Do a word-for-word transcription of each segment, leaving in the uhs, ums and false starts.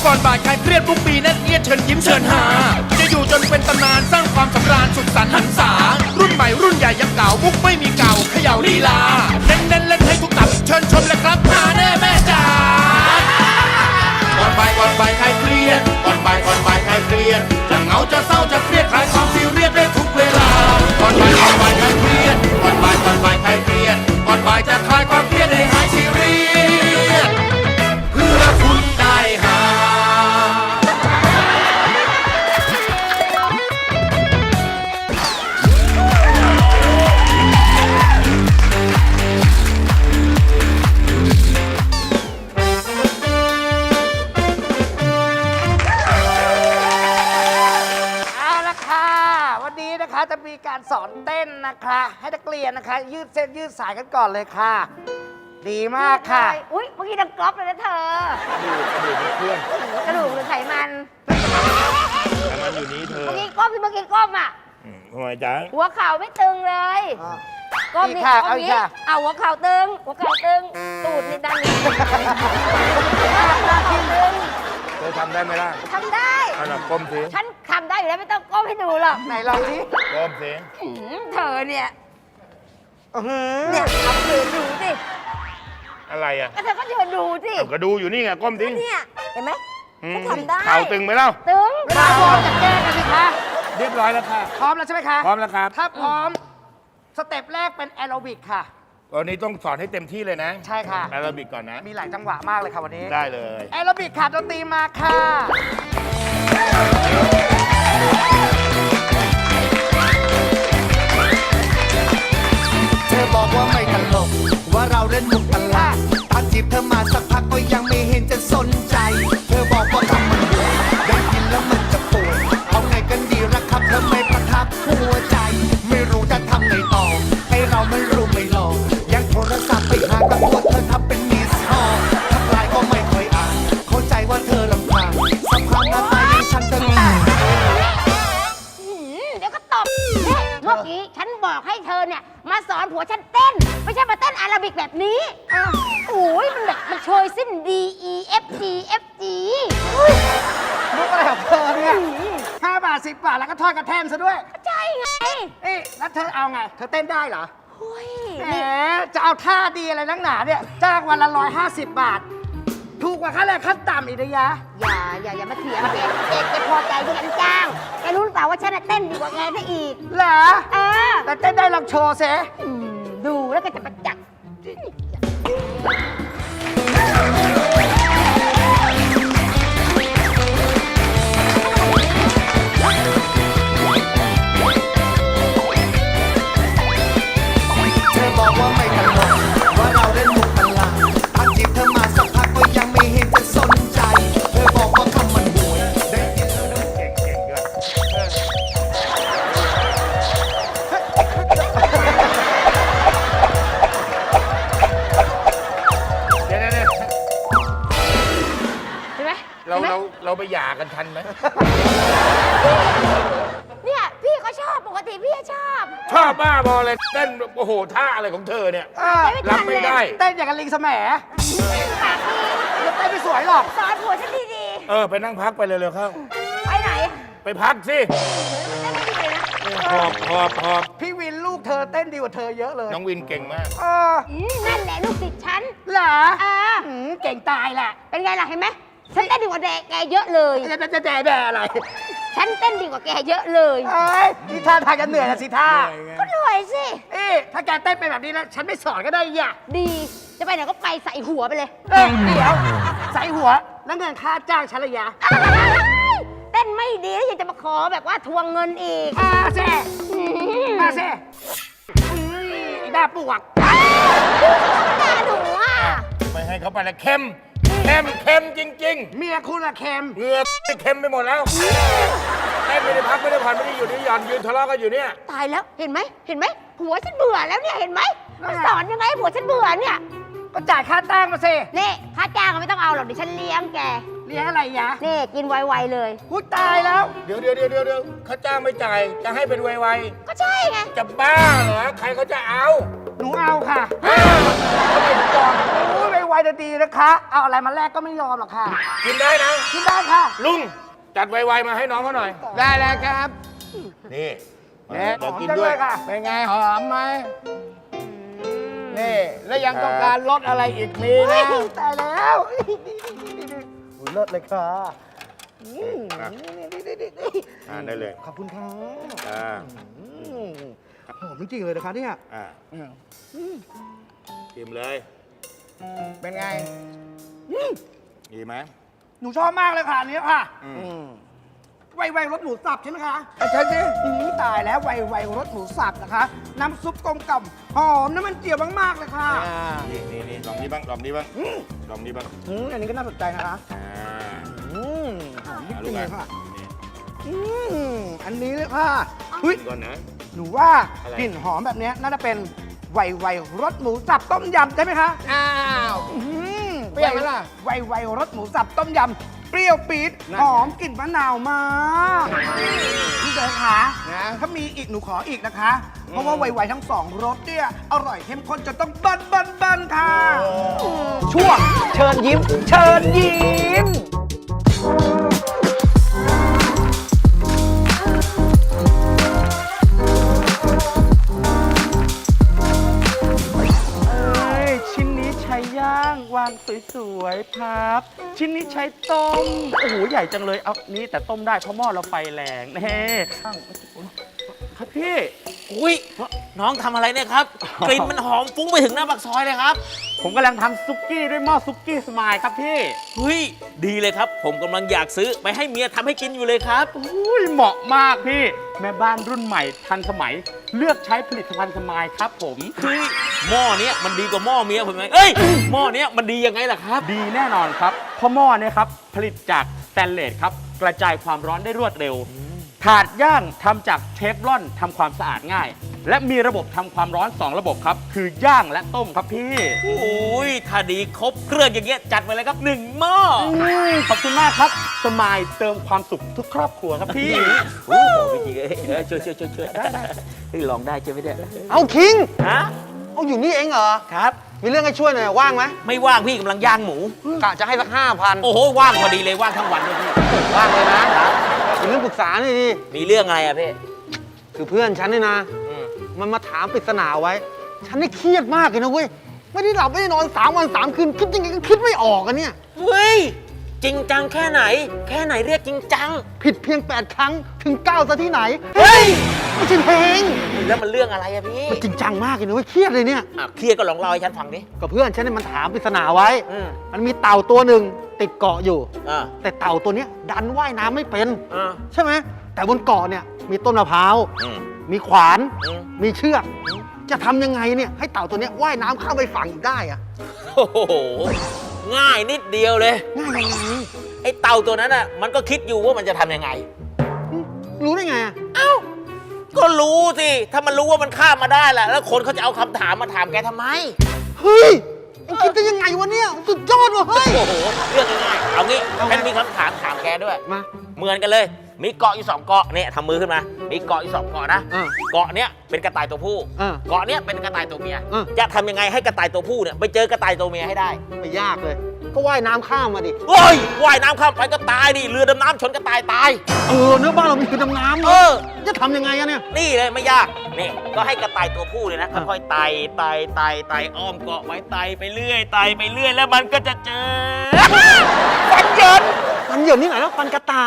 ก่อนบ่ายใครเครียดทุกปีแน่นเอียดเชิญยิ้มเชิญหาจะอยู่จนเป็นตำนานสร้างความสำราญสุดสันต์หันษารุ่นใหม่รุ่นใหญ่ยังเก่ามุกไม่มีเก่าเขย่าลีลาเน้นเน้นเล่นให้ทุกตับเชิญชมเลยครับหาแน่แม่จ๋าก่อนบ่ายก่อนบ่ายใครเครียดก่อนบ่ายก่อนบ่ายใครเครียดจะเหงาจะเศร้าจะเครียดคลายความซีเรียสได้ทุกเวลาก่อนบ่ายก่อนบ่ายใครเครียดก่อนบ่ายก่อนบ่ายใครเครียดก่อนบ่ายจะคลายความเครียดให้หายซีเรียสเพื่อคุณได้หาจะมีการสอนเต้นนะคะให้นักเรียนนะคะยืดเส้นยืดสายกันก่อนเลยค่ะดีมากค่ะอุ้ยเมื่อกี้ดังก๊อปเลยนะเธอกระดูกหรือไขมันไขมันอยู่นี้เธอเมื่อกี้ก้มที่เมื่อกี้ก้มอ่ะทำไมจ๊ะหัวเข่าไม่ตึงเลยก้มนี่ก้มนี้เอาหัวเข่าตึงหัวเข่าตึงตูดนี่ดันนี่หัวเข่าตึงเธอทำได้ไหมล่ะทำได้อันนั้นก้มสิฉันทำได้อยู่แล้วไม่ต้องก้มให้ดูหรอกไหนลองสิก้มสิเธอเนี่ยเนี่ยทำเธอดูสิอะไรอ่ะก็เธอก็เธอดูสิก็ดูอยู่นี่ไงก้มสิเนี่ยเห็นไหมฉันทำได้เข่าตึงไหมเล่าตึงเวลาพร้อมจะแก้กันสิคะเรียบร้อยแล้วค่ะพร้อมแล้วใช่ไหมคะพร้อมแล้วครับถ้าพร้อมสเต็ปแรกเป็นแอโรบิกค่ะวันนี้ต้องสอนให้เต็มที่เลยนะใช่ค่ะแอโรบิกก่อนนะมีหลายจังหวะมากเลยค่ะวันนี้ได้เลยแอโรบิกค่ะดนตรีมาค่ะเธอบอกว่าไม่ตลกว่าเราเล่นมุกตลาดถ้าจีบเธอมาสักพักก็ยังไม่เห็นจะสนใจเธอบอกว่าทำมันหัวได้ยินแล้วมันจะปวดเอาไงกันดีละครับเธอไม่ประทับหัวใจไม่รู้จะทำไงต่อให้เราไม่รู้ไม่หลอกยังโทรศัพท์ไปหากับตัวเธอทำเป็นมิสคอลทักไลน์ก็ไม่ค่อยอ่านเข้าใจว่าเธอลำคาญสัมพันธ์หน้าตาอย่างฉันจะรู้เดี๋ยวก็ตบเมื่อกี้ฉันบอกให้เธอเนี่ยมาสอนผัวฉันเต้นไม่ใช่มาเต้นอาราบิกแบบนี้โอ้ยมันแบบมันโชยสิ้น D E F G F G มุกอะไรของเธอเนี่ยห้าบาทสิบบาทแล้วก็ทอดกระแทนซะด้วยใช่ไงเอ๊ะแล้วเธอเอาไงเธอเต้นได้เหรอโอ้ยแหมจะเอาท่าดีอะไรนักหนาเนี่ยจ้างวันละร้อยห้าสิบบาทถูกกว่าค่าแรงขั้นต่ำอีกนะยะอย่าอย่าอย่ามาเถียงเด็กเด็กจะพอใจที่ฉันจ้างแกรู้หรือเปล่าว่าฉันเต้นดีกว่าแกซะอีกเหรอเออแต่เต้นได้ลองโชว์เซดูแล้วก็จะประจักษ์เธอบอกว่าไม่ตลกว่าเราเล่นมุกตลาดถ้าจีบเธอมาสักพักก็ยังไม่เห็นจะสนใจเธอบอกว่าคำมันห่วยได้ยินแล้วเก่งเก่งด้วยเดี๋ยวเดี๋ยวเห็นไหมเราเราเราไปหย่ากันทันไหมเนี่ยพี่ก็ชอบปกติพี่ชอบชอบบ้าบอเลยเต้นโอ้โหท่าอะไรของเธอเนี่ยรับไม่ได้เต้นอย่างกับลิงแสมแล้วเต้นไม่สวยหรอกสอนผัวฉันดีๆเออไปนั่งพักไปเร็วๆเข้าไปไหนไปพักสิหอบหอบหอบพี่วินลูกเธอเต้นดีกว่าเธอเยอะเลยน้องวินเก่งมากเออนั่นแหละลูกศิษย์ฉันเหรอเออเก่งตายแหละเป็นไงล่ะเห็นไหมฉันเต้นดีกว่าแกเยอะเลยจะจะแด่แด่อะไรฉันเต้นดีกว่าแกเยอะเลยเอ้ยนี่ท่าทางจะเหนื่อยนะสิท่าก็เหนื่อยสิเอ๊ะถ้าแกเต้นเป็นแบบนี้แล้วฉันไม่สอนก็ได้ย่ะดีจะไปไหนก็ไปใส่หัวไปเลยเอ้ยเดี๋ยวใส่หัวแล้วเงินค่าจ้างฉันระยะเต้นไม่ดีแล้วยังจะมาขอแบบว่าทวงเงินอีกอาเซ่อาเซ่ด่าปวกด่าหนูอ่ะไม่ให้เขาไปละเค็มเค็มเค็มจริงๆเมียคุณอะเค็มเหงื่อเค็มไปหมดแล้วเต้นไม่ได้พักไม่ได้ผ่อนไม่ได้หยุดไม่หย่อนยืนทะเลาะกันอยู่เนี่ยตายแล้วเห็นไหมเห็นไหมผัวฉันเบื่อแล้วเนี่ยเห็นไหมมันสอนยังไงผัวฉันเบื่อเนี่ยก็จ่ายค่าจ้างมาสินี่ค่าจ้างก็ไม่ต้องเอาหรอกเดี๋ยวฉันเลี้ยงแกเลี้ยงอะไรยะนี่กินไวๆเลยพูดตายแล้วเดี๋ยวเดี๋ยวเดี๋ยวเดี๋ยวค่าจ้างไม่จ่ายจะให้เป็นไวๆก็ใช่ไงจะบ้าเหรอใครเขาจะเอาหนูเอาค่ะทำไมถึงบอกโอ้ยไวๆดีๆนะคะ เอาอะไรมาแลกก็ไม่ยอมหรอกค่ะกินได้นะกินได้ค่ะลุงจัดไวๆมาให้น้องเขาหน่อยได้แล้วครับนี่เนี่ยเดี๋ยวกินหอมจังด้วยเลยค่ะเป็นไงหอมไหมนี่ แล้วยังต้องการรสอะไรอีกมีนะตายแล้วอุ๊ยเลิศเลยค่ะอืมอ่ะนี่ๆๆอ่าได้เลยๆขอบคุณค่ะอ่าอืมหอมจริงๆเลยนะคะเนี่ยอ่าชิมเลยเป็นไงดีไหมหนูชอบมากเลยค่ะอันนี้ค่ะอืมอืมไวไวรสหมูสับใช่ไหมคะเอาใช่สิอืมตายแล้วไวไวรสหมูสับนะคะ น้ำซุปกลมกล่อมหอมน้ำมันเจียวมากๆเลยค่ะอ่านี่นี่นี่ลองนี้บ้างลองนี้บ้างลองนี้บ้างอืมอันนี้ก็น่าสนใจนะคะอ่าอืมหอมจอ่าริงๆลูเลกยค่ะนี่อืมอันนี้เลยค่ะเฮ้ยก่อนนะหนูว่าอะไรกลิ่นหอมแบบเนี้ยน่าจะเป็นไวไวรสหมูสับต้มยำใช่ไหมคะอ้าวอืมเปรี้ยวไหมล่ะไวไวรสหมูสับต้มยำเปรี้ยวปี๊ดนั่นหอมกลิ่นมะนาวมากพี่เดชคะนะถ้ามีอีกหนูขออีกนะคะ เพราะว่าไวไวทั้งสองรสเนี่ยอร่อยเข้มข้นจนต้องบันบันบันค่ะช่วงเชิญยิ้ม เชิญยิ้มเอ้ยชิ้นนี้ใช้ย่างวางสวยๆพับ ชิ้นนี้ใช้ต้ม โอ้โห ใหญ่จังเลย เอานี่แต่ต้มได้เพราะหม้อเราไฟแรงแน่ครับพี่อุ้ยน้องทำอะไรเนี่ยครับ กลิ่นมันหอมฟุ้งไปถึงหน้าปากซอยเลยครับผมกำลังทำซุกี้ด้วยหม้อซุกี้สมายครับพี่เฮ้ยดีเลยครับ ผมกำลังอยากซื้อไปให้เมียทำให้กินอยู่เลยครับอุ้ยเหมาะมากพี่ แม่บ้านรุ่นใหม่ทันสมัย เลือกใช้ผลิตภัณฑ์สมายครับผมเฮ้ยหม้อเนี้ยมันดีกว่าหม้อเมียผมไหมเอ้ยหม้อเนี้ยมันดียังไงล่ะครับดีแน่นอนครับ เพราะหม้อเนี่ยครับ ผลิตจากสแตนเลสครับ กระจายความร้อนได้รวดเร็ว ถาดย่างทำจากเทฟลอนทำความสะอาดง่าย และมีระบบทำความร้อน สอง ระบบครับ คือย่างและต้มครับพี่โอ้ยถ้าดีครบเครื่องอย่างเงี้ยจัดไปเลยครับหนึ่งหม้อขอบคุณมากครับ สมายเติมความสุขทุกครอบครัวครับพี่โอ้โหพี่จริงเอ้ยเอ้ยช่วยช่วยช่วยช่วยได้ได้เฮ้ยลองได้ใช่ไหมเนี่ยเอาคิงฮะเอาอยู่นี่เองเหรอครับมีเรื่องให้ช่วยหน่อยว่างไหมไม่ว่างพี่กำลังย่างหมูกะจะให้สักห้าพันโอ้โหว่างพอดีเลยว่างทั้งวันเลยพี่ว่างเลยนะมีเรื่องปรึกษาหน่อยดิมีเรื่องอะไรอะพี่คือเพื่อนฉันนี่นะอืมมันมาถามปริศนาไว้ ฉันนี่เครียดมากเลยนะเว้ย ไม่ได้หลับไม่ได้นอนสามวันสามคืน คิดยังไงก็คิดไม่ออกอะเนี่ยเฮ้ย จริงจังแค่ไหน แค่ไหนเรียกจริงจังผิดเพียงแปดครั้งถึงเก้าซะที่ไหน เฮ้ย ไม่ใช่เพลงแล้วมันเรื่องอะไรอะพี่มันจริงจังมากเลยนะเว้ย เครียดเลยเนี่ยอ่ะเครียดก็ลองเล่าให้ฉันฟังดิกับเพื่อนฉันเนี่ยมันถามปริศนาไว้อืมมันมีเต่าตัวหนึ่งติดเกาะอยู่อ่าแต่เต่าตัวเนี้ยดันว่ายน้ำไม่เป็นอ่าใช่ไหม แต่บนเกาะเนี่ยมีต้นมะพร้าวอืมมีขวานอืมมีเชือก จะทำยังไงเนี่ยให้เต่าตัวเนี้ยว่ายน้ำข้ามไปฝั่งอีกได้อะโอ้โห ง่ายนิดเดียวเลยง่ายยังไงไอ้เต่าตัวนั้นอ่ะ มันก็คิดอยู่ว่ามันจะทำยังไงรู้ได้ไงอะก็รู้สิ ถ้ามันรู้ว่ามันข้ามมาได้แหละแล้วคนเขาจะเอาคำถามมาถามแกทำไมเฮ้ยมันคิดได้ยังไงวะเนี่ย สุดยอดว่ะเฮ้ยโอ้โห เรื่องง่ายๆเอางี้เอาไงฉันมีคำถามถามแกด้วยมาเหมือนกันเลย มีเกาะอยู่สองเกาะเนี่ยทำมือขึ้นมา มีเกาะอยู่สองเกาะนะอ่าเกาะเนี้ยเป็นกระต่ายตัวผู้อ่าเกาะเนี้ยเป็นกระต่ายตัวเมียอ่าจะทำยังไงให้กระต่ายตัวผู้เนี่ยไปเจอกระต่ายตัวเมียให้ได้ไม่ยากเลย ก็ว่ายน้ำข้ามมาดิโอ้ยว่ายน้ำข้ามไปก็ตายดิ เรือดำน้ำชนกระต่ายตายเออเนื้อบ้านเรามีคือดำน้ำเอนะอจะทำยังไงอะเนี่ยนี่เลยไม่ยาก นี่ก็ให้กระต่ายตัวผู้เลยนะอ่ะค่อยๆไต่ไต่ไต่ไต่อ้อมเกาะไว้ไต่ไปเรื่อยไต่ไปเรื่อยแล้วมันก็จะเจอ ฟันเหยินฟันเหยินนี่ไหนแล้วฟันกระต่าย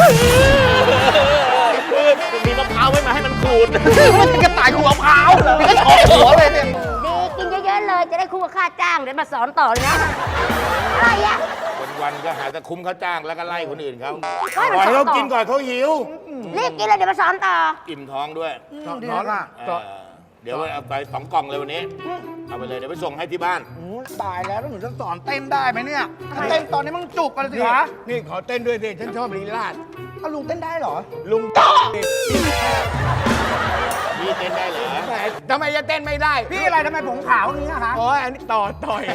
มีมะพร้าวไว้มาให้มันขูดมันเป็นกระต่ายขูดมะพร้าวมันก็ชอบหัวเลยเนี่ยดีกินเยอะๆเลยจะได้คู่กับค่าจ้างเดี๋ยวมาสอนต่อเลยนะ อะไรอ่ะวันๆก็หาแต่คุ้มเขาจ้างแล้วก็ไล่คนอื่นเขาไม่ปล่อยมันให้สอเขานต่อกินก่อนเขาหิวรีบกินเลยเดี๋ยวมาสอนต่ออิ่มท้องด้วยดีเลยค่ะเออเดี๋ยวเอาไปสองกล่องเลยวันนี้ เอาไปเลยเดี๋ยวไปส่งให้ที่บ้านอืมตายแล้วแล้วหนูจะสอนเต้นได้ไหมเนี่ยถ้าเต้นตอนนี้มันจุกกันเลยสินี่คะนี่ขอเต้นด้วยสิ ฉันชอบลีลาดเอาลุงเต้นได้เหรอลุงนี่เต้นได้เหรอแหมทำไมจะเต้นไม่ได้พี่อะไรทำไมผมขาวอย่างนี้อะคะโอ้ยอันนี้ต่อต่อย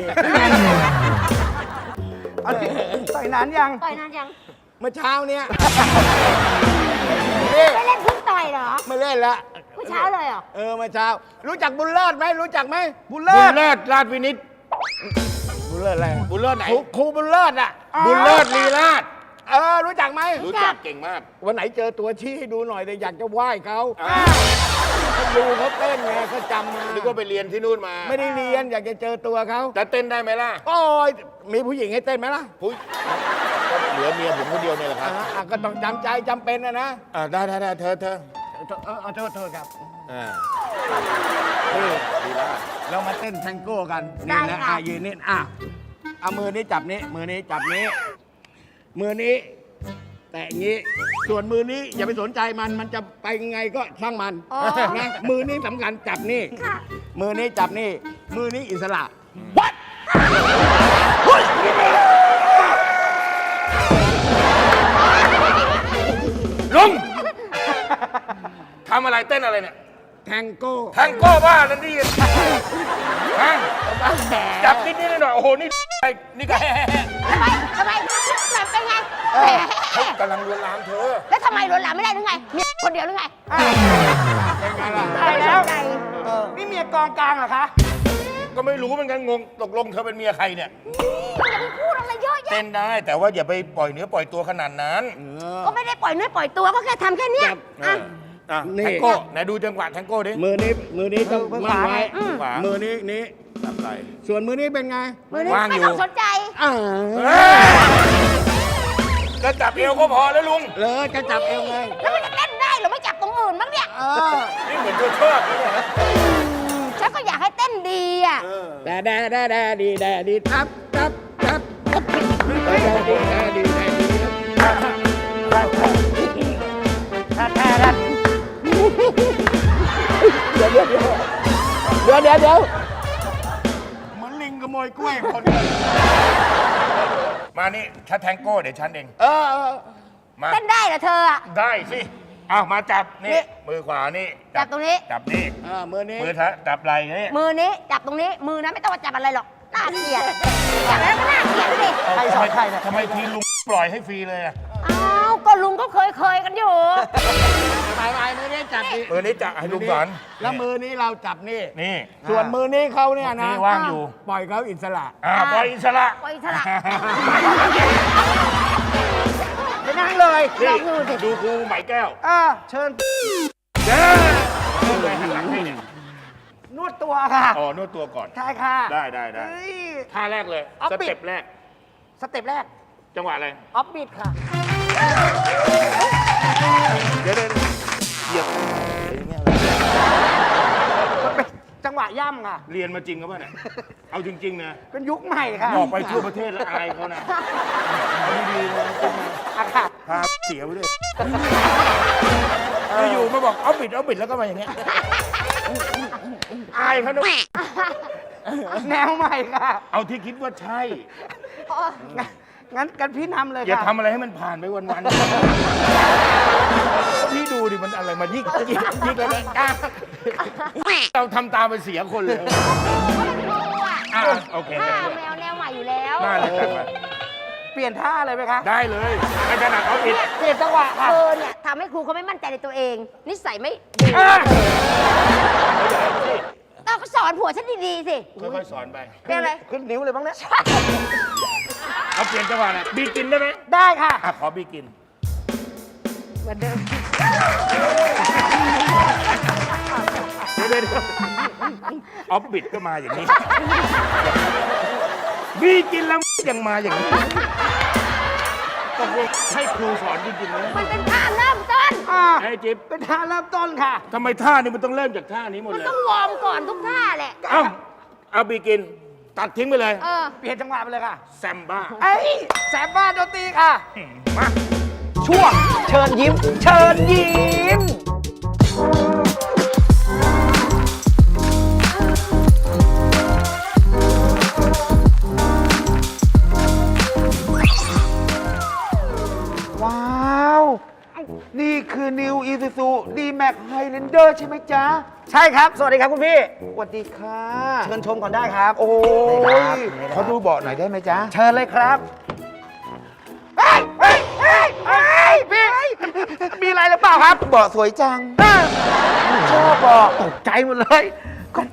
เอาดิใส่นานยังต่อยนานยังเมื่อเช้าเนี้ยนี่ไม่เล่นเพิ่งต่อยเหรอไม่เล่นละเมื่อเช้าเลยเหรอเออเมื่อเช้า รู้จักบุญเลิศไหมรู้จักไหมบุญบุเลิญศเลิศราชวินิตบเลิศอะไรบุญเลิศไหนครูครูบุญเลิศอ่ะบุญเลิศลีลาดเออรู้จักไหมรู้จักเก่งมากวันไหนเจอตัวชี้ให้ดูหน่อยแต่อยากจะไหว้เขาเขาดูเขาเต้นไงเขาจำมานึกว่าไปเรียนที่นู่นมาไม่ได้เรียนอยากจะเจอตัวเขาจะเต้นได้ไหมล่ะโอ้ยมีผู้หญิงให้เต้นไหมล่ะพุ้ยก็เหลือเมียผมคนเดียวเนี่ยแหละครับอ่าอ่ะก็ต้องจำใจจำเป็นนะนะอ่าได้ได้ได้เธอเธอเออเออโทษโทษครับอ่านี่ลีลาดเรามาเต้นแทงโก้กันได้นี่นะค่ะอ่ะยืนนี่อ่ะเอามือนี้จับนี้มือนี้จับนี้ มือนี้แตะอย่างนี้ ส่วนมือนี้อย่าไปสนใจมันมันจะไปยังไงก็ช่างมันอ๋อนะมือนี้สำคัญจับนี่ค่ะมือนี้จับนี่ มือนี้อิสระลุงทำอะไรเต้นอะไรเนี่ยแทงโก้แทงโก้บ้านั่นนี่ฮะจับนิดนิดหน่อยๆโอ้โหนี่ไอ้นี่ก็ทำไมทำไมแบบเป็นไงแหมเขากำลังลวนลามเธอแล้วทำไมลวนลามไม่ได้หรือไงมีคนเดียวหรือไงเป็นไงล่ะตายแล้วใจนี่เมียกองกลางเหรอคะก็ไม่รู้เหมือนกันงงตกลงเธอเป็นเมียใครเนี่ยอย่าไปพูดอะไรเยอะแยะเต้นได้แต่ว่าอย่าไปปล่อยเนื้อปล่อยตัวขนาดนั้นก็ไม่ได้ปล่อยเนื้อปล่อยตัวก็แค่ทำแค่เนี้ยจับอ่ะอ่ะนี่แทงโก้ไหนดูจังหวะแทงโก้ดิมือนี้มือนี้ต้องมือมั่นขวาไว้อืมขวามือนี้นี้จับไหล่ส่วนมือนี้เป็นไงมือนี้ว่างไม่อยู่ต้องสนใจอ่าก็จับเอวก็พอแล้วลุงเลยจะจับเอวไงแล้วมันจะเต้นได้เหรือไม่จับตรงอื่นบ้างเนี่ยเออนี่เหมือนเธอชอบนะเนี่ยฉันก็อยากให้เต้นดีอ่ะแดแดแดแดดีแดดีทับทับทับแดแดดีแดดีแดดีเดี๋ยวเดี๋ยวเดี๋ยวเดี๋ยวเดี๋ยวเดี๋ยวเหมือนลิงขโมยกล้วยคนเดียวมานี่ฉันแทงโก้เดี๋ยวฉันเองเออเออมาเต้นได้เหรอเธออ่ะได้สิเอามาจับนี่นี่มือขวานี่จับตรงนี้จับนี่เออมือนี้มือเธอจับไหล่นี่มือนี้จับตรงนี้ มือนั้นไม่ต้องมาจับอะไรหรอก น่าเกลียดจับแล้วก็น่าเกลียดดิใครสอนใครเนี่ยทำไมทีลุงปล่อยให้ฟรีเลยอะอ้าวก็ลุงก็เคยเคยๆกันอยู่ไปไปมือนี้จับดิมือนี้จับให้ลุงสอนแล้วมือนี้เราจับนี่นี่ส่วนมือนี้เขาเนี่ยนะนี่ว่างอยู่ปล่อยเขาอิสระอ่าปล่อยอิสระปล่อยอิสระไปนั่งเลยนี่ลองดูสิดูครูไหมแก้วอ่าเชิญเด้อเอาเลยหันหลังให้เนี่ยนวดตัวค่ะอ๋อนวดตัวก่อนใช่ค่ะได้ได้ได้เฮ้ยท่าแรกเลยเอาสปิดเต็ปแรกสเต็ปแรกจังหวะอะไรออฟบิดค่ะเดี๋ยวเดี๋ยวเหยียบมันเป็นจังหวะย่ำค่ะเรียนมาจริงก็ป่ะเนี่ย เอาจริง ๆ นะเป็นยุคใหม่ค่ะออกไปทั่วประเทศแล้วอายเขานะเอาดีๆนะจริงนะอะค่ะพาเสียไปด้วยอยู่ๆมาบอกเอาปิดเอาปิดแล้วก็มาอย่างเงี้ยอายเขานะแนวใหม่ค่ะเอาที่คิดว่าใช่งั้นงั้นกันพี่นำเลยอย่าค่ะทำอะไรให้มันผ่านไปวันๆพี่ดูดิมันอะไรมายิกยิกยิกแล้วนะอ่ะเราทำตามไปเสียคนเลยอ่ะโอเคอ่าแมวแนวใหม่อยู่แล้วได้เลยจัดมาเปลี่ยนท่าเลยไหมคะได้เลยไม่ถนัดเอาปิดเปลี่ยนจังหวะค่ะเธอเนี่ยทำให้ครูเขาไม่มั่นใจในตัวเอง นิสัยไม่ดีอ่ะต้องก็สอนผัวฉันดีๆสิค่อยๆสอนไปเป็นอะไรขึ้นนิ้วเลยบ้างเนี่ยเอาเปลี่ยนจังหวะนะบีกินได้ไหมได้ค่ะอ่ะขอบีกินเหมือนเดิมเดี๋ยวเดี๋ยวออฟบิดก็มาอย่างนี้บีกินแล้วยังมาอย่างนี้ตกลงให้ครูสอนจริงๆไหมมันเป็นท่าเริ่มต้นอ่าไอ้จิ๊บเป็นท่าเริ่มต้นค่ะทำไมท่านี้มันต้องเริ่มจากท่านี้หมดมันเลยต้องวอร์มก่อนทุกท่าแหละเอ้าเอาบีกิน ตัดทิ้งไปเลยเออเปลี่ยนจังหวะไปเลยค่ะแซมบ้าเอ้ยแสบบ้านดนตรีค่ะมาช่วงเชิญยิ้ม เชิญยิ้ม ว้าว นี่คือ New Isuzu D-Max Highlander ใช่ไหมจ๊ะ ใช่ครับ สวัสดีครับคุณพี่ สวัสดีค่ะ เชิญชมก่อนได้ครับ โอ้ยเขาดูเบาะหน่อยได้ไหมจ๊ะเชิญเลยครับ เฮ้ยเฮ้ยเฮ้ยเฮ้ยพี่ มีอะไรหรือเปล่าครับเบาะสวยจังชอบบอกตกใจหมดเลย ก็เปิดอย่างนี้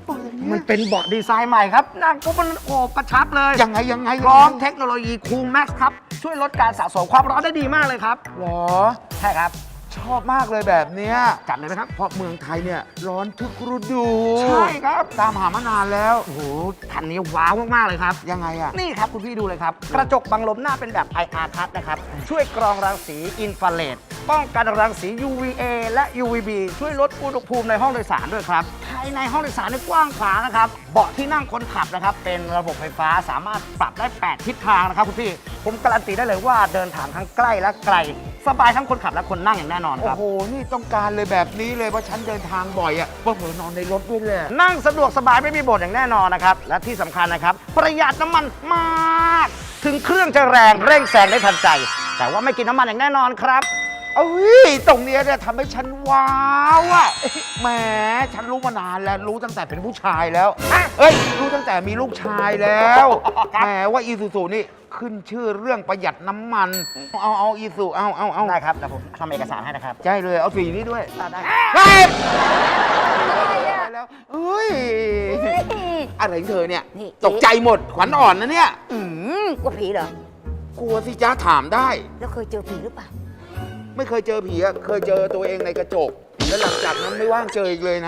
มันเป็นเบาะดีไซน์ใหม่ครับ นั่งปุ๊บมันโอบกระชับเลยยังไงยังไงพร้อมเทคโนโลยีคูลแม็กซ์ครับ ช่วยลดการสะสมความร้อนได้ดีมากเลยครับหรอใช่ครับชอบมากเลยแบบเนี้ยจัดเลยนะครับเพราะเมืองไทยเนี่ยร้อนทุกฤดูใช่ครับตามหามานานแล้วโอ้โหคันนี้ว้าวมาก ๆ เลยครับยังไงอะนี่ครับ คุณพี่ดูเลยครับ กระจกบังลมหน้าเป็นแบบ ไอ อาร์ ทัชนะครับ ช่วยกรองรังสีอินฟราเรดป้องกันรังสี ยู วี เอ และ ยู วี บี ช่วยลดอุณหภูมิในห้องโดยสารด้วยครับภายในห้องโดยสารนี่กว้างขวางนะครับ เบาะที่นั่งคนขับนะครับ เป็นระบบไฟฟ้าสามารถปรับได้ แปด ทิศทางนะครับคุณพี่ ผมการันตีได้เลยว่าเดินทางทั้งใกล้และไกล สบายทั้งคนขับและคนนั่งอย่างแน่นอนคโอ้รับโห นี่ต้องการเลยแบบนี้เลยเพราะฉันเดินทางบ่อยอะว่าเผลอนอนในรถด้วยเลยนั่งสะดวกสบายไม่มีบ่นอย่างแน่นอนนะครับ และที่สำคัญนะครับ ประหยัดน้ำมันมาก ถึงเครื่องจะแรงเร่งแซงได้ทันใจ แต่ว่าไม่กินน้ำมันอย่างแน่นอนครับเอ้ย ตรงเนี้ยเนี่ยทำให้ฉันว้าวอะแหม ฉันรู้มานานแล้ว รู้ตั้งแต่เป็นผู้ชายแล้ว เอ้ย รู้ตั้งแต่มีลูกชายแล้วครับแหมว่าอีซูซูนี่ขึ้นชื่อเรื่องประหยัดน้ำมัน เอาเอาอีซูเอาเอาเอาได้ครับเดี๋ยวผมทำเอกสารให้นะครับใช่เลย เอาสีนี้ด้วยได้เฮ้ยได้แล้วเอ้ย อะไรของเธอเนี่ยนี่ตกใจหมด ขวัญอ่อนนะเนี่ยอืมกลัวผีเหรอกลัวสิจ้าถามได้แล้วเคยเจอผีหรือเปล่าไม่เคยเจอผีอะเคยเจอตัวเองในกระจก แล้วหลังจากนั้นไม่ว่างเจออีกเลยนะ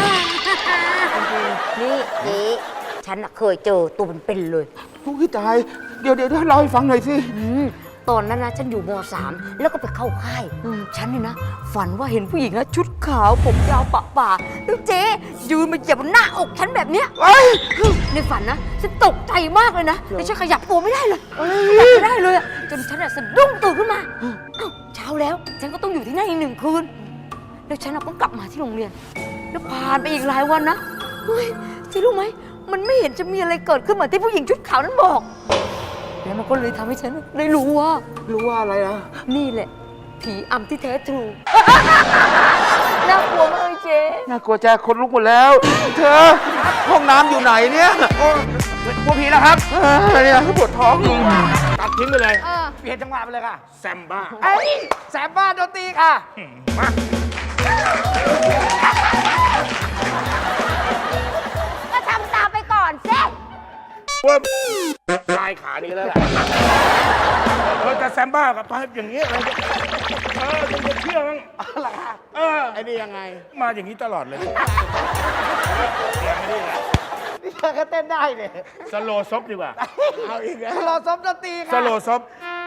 นี่เจ๊ฉันน่ะเคยเจอตัวเป็นๆเลยทุกที่ตาย เดี๋ยวเดี๋ยวเล่าให้ฟังหน่อยสิอืมตอนนั้นนะฉันอยู่ม สามแล้วก็ไปเข้าค่ายอืมฉันนี่นะ ฝันว่าเห็นผู้หญิงนะชุดขาวผมยาวปะป่าแล้วเจ๊ยืนมาเหยียบบนหน้าอกฉันแบบเนี้ยเอ้ยในฝันนะฉันตกใจมากเลยนะแต่ฉันขยับตัวไม่ได้เลยขยับไม่ได้เลยอะจนฉันอะสะดุ้งตื่นขึ้นมาเอ้าเช้าแล้วฉันก็ต้องอยู่ที่นั่นอีกหนึ่งคืนแล้วฉันอะก็กลับมาที่โรงเรียน แล้วผ่านไปอีกหลายวันนะเฮ้ยเจ๊รู้ไหมมันไม่เห็นจะมีอะไรเกิดขึ้นเหมือนที่ผู้หญิงชุดขาวนั้นบอกแล้วมันก็เลยทำให้ฉันได้รู้ว่ารู้ว่าอะไรนะนี่แหละ ผีอำที่แท้ทรู น่ากลัวมากเลยเจ๊น่ากลัวใจคนลุกหมดแล้ว เธอ ห้องน้ำอยู่ไหนเนี่ยโอ้กลัวผีแล้วครับเออเนี่ยปวดท้องตัดทิ้งไปเลยเออเปลี่ยนจังหวะไปเลยค่ะแซมบ้าเอ้ยแสบบ้านดนตรีค่ะมาก็ทำตามไปก่อนเจ๊ว่าลายขานี้แล้วแหละเราจะแซมบ้ากับไปอย่างนี้อะไรเนี่ยเออคุณจะเชื่อมั้งเออไอ้นี่ยังไง มาอย่างนี้ตลอดเลยยังไม่ได้แหละนี่เธอก็เต้นได้เลยสโลซบดีกว่า เอาอีกแล้วรอซบดนตรีสค่ะโลซบ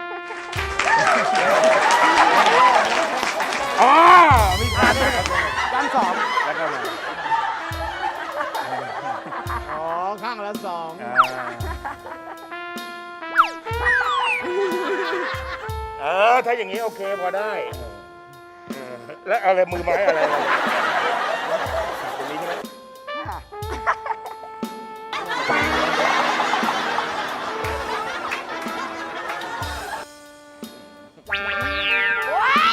อ๋อ มีขาด้วยด้านสองแล้วก็มาอ๋อ ข้างละสองอ่าเออ ถ้าอย่างนี้โอเคพอได้เออแล้วอะไรมือไม้อะไรตรงนี้ใช่ไหมโอ๊ย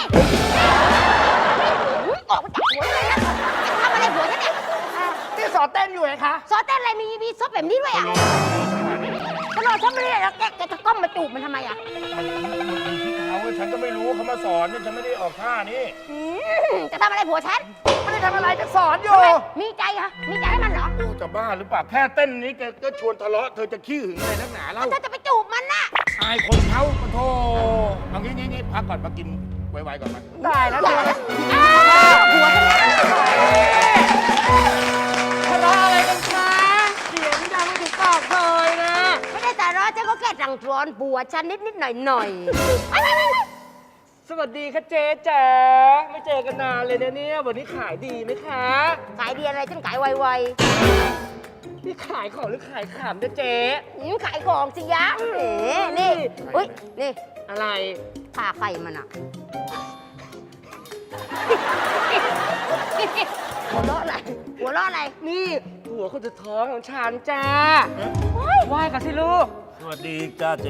อุ๊ยออกมาจากหัวเลยนะทำอะไรหัวฉันเนี่ยที่สอนเต้นอยู่ไงคะซอสเต้นอะไรมีมีซอสแบบนี้ด้วยอ่ะตลอดฉันไม่ได้แล้วแกแกจะก้มมาจูบมันทำไมอ่ะมันอยู่ที่เขาเว้ยฉันก็ไม่รู้เขามาสอนเนี่ยฉันไม่ได้ออกท่านี้อืมจะทำอะไรผัวฉันไม่ได้ทำอะไรจะสอนอยู่ทำไมมีใจเหรอมีใจให้มันเหรอโอ้จะบ้าหรือเปล่า แค่เต้นนี้แกก็ชวนทะเลาะ เธอจะขี้หึงอะไรนักหนาเล่าเธอจะไปจูบมันน่ะอายคนเขาปะโทเอางี้งี้งี้พักก่อนมากินไวๆก่อนมาได้แล้วเธออ้าวผัวฉันนะทะเลาะอะไรกันคะเสียงดังไม่ถึงปากเลยนะไม่ได้แต่ร้อนฉันก็แค่รังร้อนผัวฉันนิดนิดๆหน่อยหน่อยๆไปไปไปไปสวัสดีค่ะเจ๊จ๋าไม่เจอกันนานเลยนะเนี่ย วันนี้ขายดีไหมคะขายดีอะไรฉันขายไวนี่ขายของหรือขายขำนะเจ๊ๆอืมขายของสิยะเอ๋นี่อุ้ยนี่อะไรผ่าไข่มันอะหัวเราะอะไรหัวเราะอะไรนี่ผัวคนจะท้องของฉันจ้าไหว้กันสิลูกสวัสดีจ้าเจ๊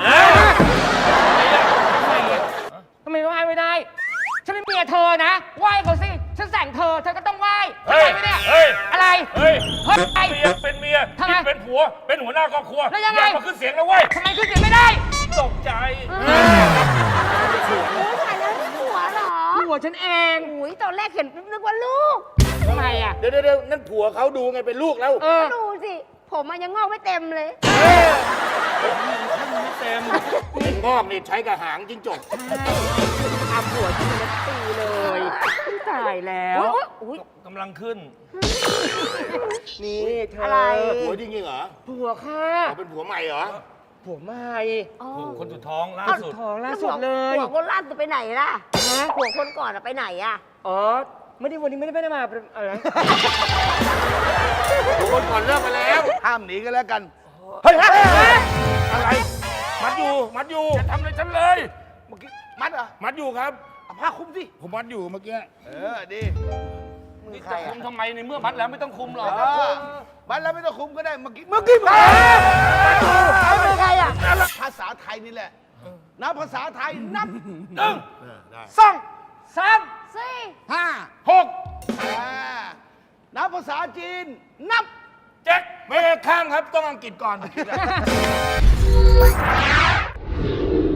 ทำไมไหว้ไม่ได้ ฉันเป็นเมียเธอนะ ไหว้เขาสิ ฉันแต่งเธอ เธอก็ต้องไหว้ทำเฮ้ยไมไม่เนี่ยเฮ้ยอะไรเฮ้ยเฮ้ยเมียเป็นเมียทำไมที่เป็นผัว เป็นหัวหน้าครอบครัวแล้วยังไงอย่ามาขึ้นเสียงนะเว้ยทำไมขึ้นเสียงไม่ได้ตกใจโอ้ยตายแล้วนี่ผัวเหรอผัวฉันเองอุ้ยตอนแรกเห็นนึกว่าลูกทำไมอ่ะเดี๋ยวเดี๋ยวเดี๋ยวนั่นผัวเขาดูไงเป็นลูกแล้วเออดูสิ ผมมันยังงอกไม่เต็มเลยเป็นงอกนี่ใช้กับหางจิ้งจกทำหัวที่มันตีเลยตายแล้วอุ้ยกำลังขึ้นนี่เธออะไรผัวจริงๆเหรอผัวค่ะอ๋อเป็นผัวใหม่เหรอผัวใหม่คนสุดท้องล่าสุดท้องล่าสุดเลยผัวคนล่าสุดไปไหนล่ะผัวคนก่อนอะไปไหนอะอ๋อไม่ได้วันนี้ไม่ได้ไม่ได้มาอะไรผัวคนก่อนเลิกไปแล้วห้ามหนีกันแล้วกันเฮ้ยอะไร มัดอยู่ มัดอยู่จะทำอะไรฉันเลยเมื่อกี้มัดเหรอมัดอยู่ครับเอาผ้าคลุมสิผมมัดอยู่เมื่อกี้เออ ดีนี่จะคุมทำไมในเมื่อมัดแล้วไม่ต้องคุมหรอกเออมัดแล้วไม่ต้องคลุมก็ได้ เมื่อกี้ เมื่อกี้มัดเอาเป็นใครอะภาษาไทยนี่แหละ นับภาษาไทย นับหนึ่งสองสามสี่ห้าหกอ่านับภาษาจีน นับเจ็ดไม่ข้างครับ ต้องอังกฤษก่อน